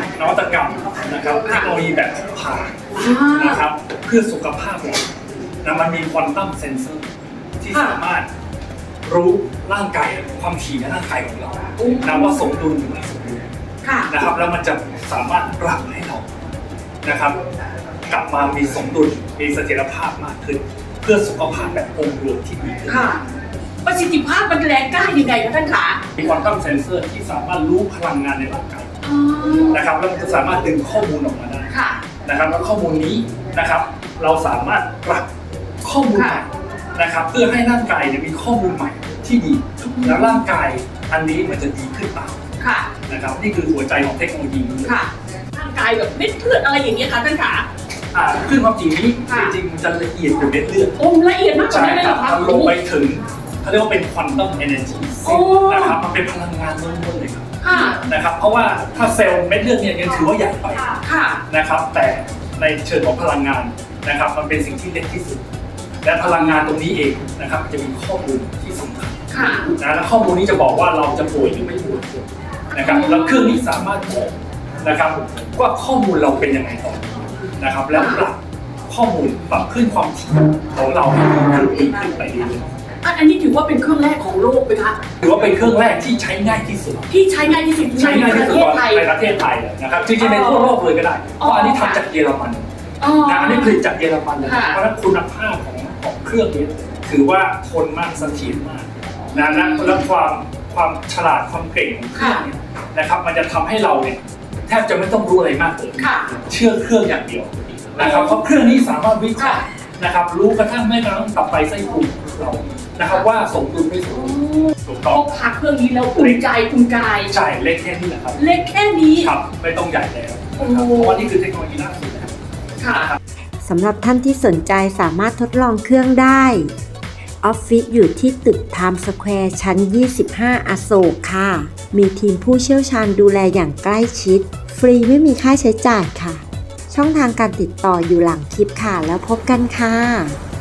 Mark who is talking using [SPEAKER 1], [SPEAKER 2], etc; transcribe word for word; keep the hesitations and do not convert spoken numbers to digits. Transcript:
[SPEAKER 1] นวัตกรรมนะครับเทคโนโลยีแบบพกพานะครับเพื่อสุขภาพเรานะมันมีควอนตัมเซนเซอร์ที่สามารถรู้ร่างกายความถี่ในร่างกายของเรานะว่าสมดุลหรือไม่สมดุลนะครับแล้วมันจะสามารถปรับให้เรานะครับกลับมามีสมดุลมีเสถียรภาพมากขึ้นเพื่อสุขภาพแบบองค์รวมที่ดีขึ้น
[SPEAKER 2] ประสิทธิภาพมันแรงกล้ายังไงคะท่านขา
[SPEAKER 1] มีควอนตัมเซนเซอร์ที่สามารถรู้พลังงานในร่างกายนะครับแล้วมันจะสามารถดึงข้อมูลออกมาได้นะครับแล้วข้อมูลนี้นะครับเราสามารถปรับข้อมูลใหม่นะครับเพื่อให้ร่างกายมีข้อมูลใหม่ที่ดีแล้วร่างกายอันนี้มันจะดีขึ้นตามนะครับนี่คือหัวใจของเทคโนโลยีนี้
[SPEAKER 2] ร่างกายแบบเม็ดเลือดอะไรอย่างเงี้ยค่ะท่านขา
[SPEAKER 1] ขึ้นความจริงนี้จริงๆมันจะละเอียดกว่าเม็ดเลือด
[SPEAKER 2] โอ้ละเอียดมากกว่านี้เลยเหรอคะ
[SPEAKER 1] ลงไปถึงเขาเรียกว่าเป็นควอนตัมเอเนอร์จีนะครับมันเป็นพลังงานล้วนๆเลยครับนะครับเพราะว่าถ้าเซลล์เม็ดเลือดเนี่ยยังถือว่าใหญ่ไปนะครับแต่ในเชิงของพลังงานนะครับมันเป็นสิ่งที่เล็กที่สุดและพลังงานตรงนี้เองนะครับจะมีข้อมูลที่สำคัญนะและข้อมูลนี้จะบอกว่าเราจะป่วยหรือไม่ป่วยนะครับแล้วเครื่องนี้สามารถบอกนะครับว่าข้อมูลเราเป็นยังไงต่อนะครับแล้วปรับข้อมูลปรับขึ้นความถี่ของเราให้ดีขึ้นดีขึ้นไปเรื่อย
[SPEAKER 2] ๆอันนี้ถือว่าเป็นเครื่องแรกของโลกไหมคะ
[SPEAKER 1] ถือว่าเป็นเครื่องแรกที่ใช้ง่ายที่สุด
[SPEAKER 2] ที่ใช้ง่ายที่สุด
[SPEAKER 1] ใช้ง่ายที่สุดในประเทศไทยเลยนะครับจริงๆในทั่วโลกเลยก็ได้เพราะอันนี้ทำจากเยอรมันนะอันนี้ผลิตจากเยอรมันเลยเพราะฉะนั้นคุณภาพของของเครื่องนี้ถือว่าทนมากเสถียรมากนะนะและความความฉลาดความเก่งของเครื่องนี้นะครับมันจะทำให้เราเนี่ยแทบจะไม่ต้องรู้อะไรมากเลยเชื่อเครื่องอย่างเดียวนะครับเพราะเครื่องนี้สามารถวิเคราะห์นะครับรู้กระทั่งแม้กระทั่งตับไตไส้พุงเรานะครับว่าสมดุลไม่สมดุลถูกต้อง
[SPEAKER 2] พกพาเครื่องนี้แล้วอุ่นใจอุ่นกาย
[SPEAKER 1] ใช่เล็กแค่นี้แหละครับ
[SPEAKER 2] เล็กแค่นี้
[SPEAKER 1] ครับไม่ต้องใหญ่แล้วเพราะว่านี่คือเทคโนโลยีล่าสุดแล้ว
[SPEAKER 2] ค่ะ
[SPEAKER 3] สำหรับท่านที่สนใจสามารถทดลองเครื่องได้ออฟฟิศอยู่ที่ตึกไทม์สแควร์ชั้นยี่สิบห้าอโศกค่ะมีทีมผู้เชี่ยวชาญดูแลอย่างใกล้ชิดฟรีไม่มีค่าใช้จ่ายค่ะช่องทางการติดต่ออยู่หลังคลิปค่ะแล้วพบกันค่ะ